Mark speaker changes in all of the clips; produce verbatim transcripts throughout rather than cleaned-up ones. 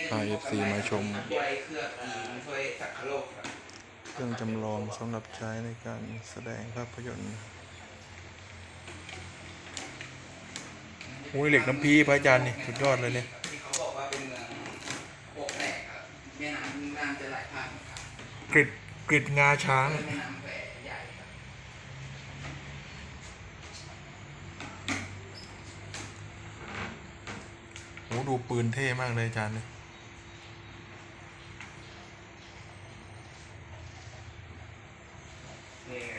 Speaker 1: พาเอฟซีมาชม
Speaker 2: ช่วยเคลือบทีมช่วยสักโลกครับ
Speaker 1: เครื่องจำลองสำหรับใช้ในการแสดงภาพยนตร์โอ้ยเหล็กน้ำพีพระอาจารย์นี่สุดยอดเลยเนี่ย
Speaker 2: ที่เขาบอกว่าเป็นเมืองโอกแตกครับแม่น้ำน้ำจะไหลผ่านครับ
Speaker 1: กริดกริดงาช้าง
Speaker 2: แม่น้ำแควใหญ่ครับ
Speaker 1: โอ้ดูปืนเท่มากเลยอาจารย์เนี่ย
Speaker 2: นี่ไง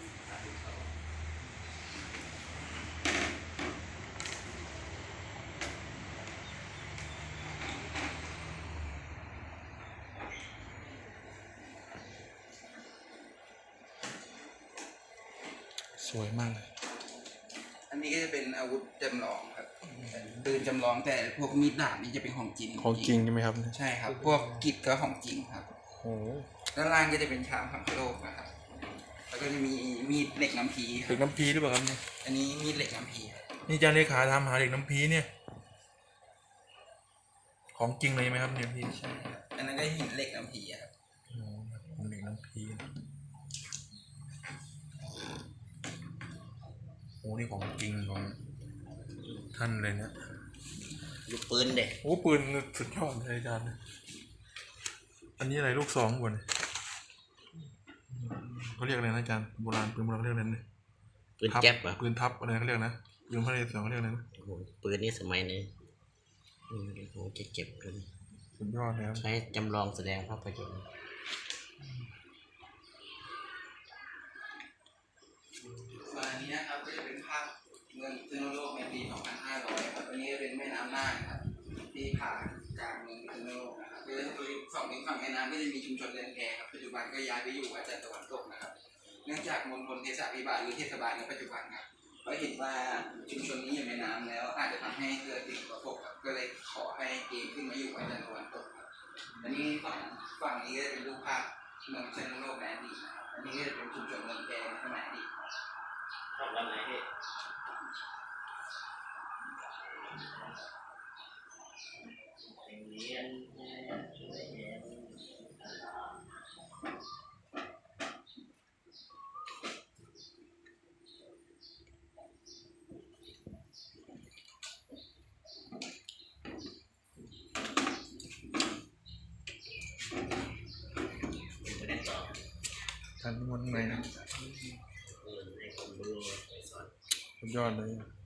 Speaker 1: สวยมากเลย
Speaker 2: อันนี้ก็จะเป็นอาวุธจำลองครับปืนจำลองแต่พวกมีดดาบนี่จะเป็นของจริง
Speaker 1: ของจริงใช่ไหมครับ
Speaker 2: ใช่ครับพวกกิจก็ของจริงครับ
Speaker 1: โอ้
Speaker 2: ด้านล่างก็จะเป็นชามพังโลกนะครับแล้วก็จะมีมีดเหล็กน้ำพี
Speaker 1: เหล็กน้ำพีหรือเปล่าครับเนี่ย
Speaker 2: อันนี้มีดเหล็กน้ำพี
Speaker 1: นี่อาจารย์เลขาทำหาเหล็กน้ำพีเนี่ยของจริงเลยไหมครับเนี่ยพี่
Speaker 2: ใช่ครับอันนั้นก็หินเหล็กน้ำพีครับ
Speaker 1: โอ้เหล็กน้ำพีโอ้นี่ของจริงของท่านเลยนะ
Speaker 2: ลูกปืนเด็ก
Speaker 1: โอ้ปืนสุดยอดเลยอาจารย์อันนี้อะไรลูกสองก่อนเขาเรียกอะไรนะอาจารย์โบราณปืนโบราณเขาเรียกอะไรนะ
Speaker 3: ปืนแก๊ปอ่ะ
Speaker 1: ปืนทับอะไรเขาเรียกนะปืนพระนเรศวรเขาเรียกอะไรนะ
Speaker 3: ปืนนี้สมัยนี้โอ้จะเจ็บเลย
Speaker 1: สุดยอดแล้ว
Speaker 3: ใช้จำลองแสดงภาพยนตร์
Speaker 2: ส่วนอันนี้นะครับก็จะเป็นภาพเมืองพิษณุโลกในปี สองพันห้าร้อย ครับอันนี้เป็นแม่น้ำน่านครับที่ผ่านกลางเมืองพิษณุโลกนะครับคือสองฝั่งแม่น้ำก็จะมีชุมชนเรือนแพครับปัจจุบันก็ย้ายไปอยู่อาจารย์ตะวันตกนะครับเนื่องจากมณฑลเทศบาลหรือเทศบาลในปัจจุบันครับก็เห็นว่าชุมชนนี้อยู่ในน้ำแล้วอาจจะทำให้เกิดสิ่งกระทบครับก็เลยขอให้เกณฑ์ขึ้นมาอยู่อาจารย์ตะวันตกครับอันนี้ฝั่งฝั่งนี้ก็จะเป็นรูปภาพเมืองพิษณุโลกในอดีตนะครับอันนี้ก็จะเป็นชุมชนเรือนแพในสมัยอดีต
Speaker 3: ชอบวันไหนพี่เรียน
Speaker 1: ท่านมันไงสุดยอดเลย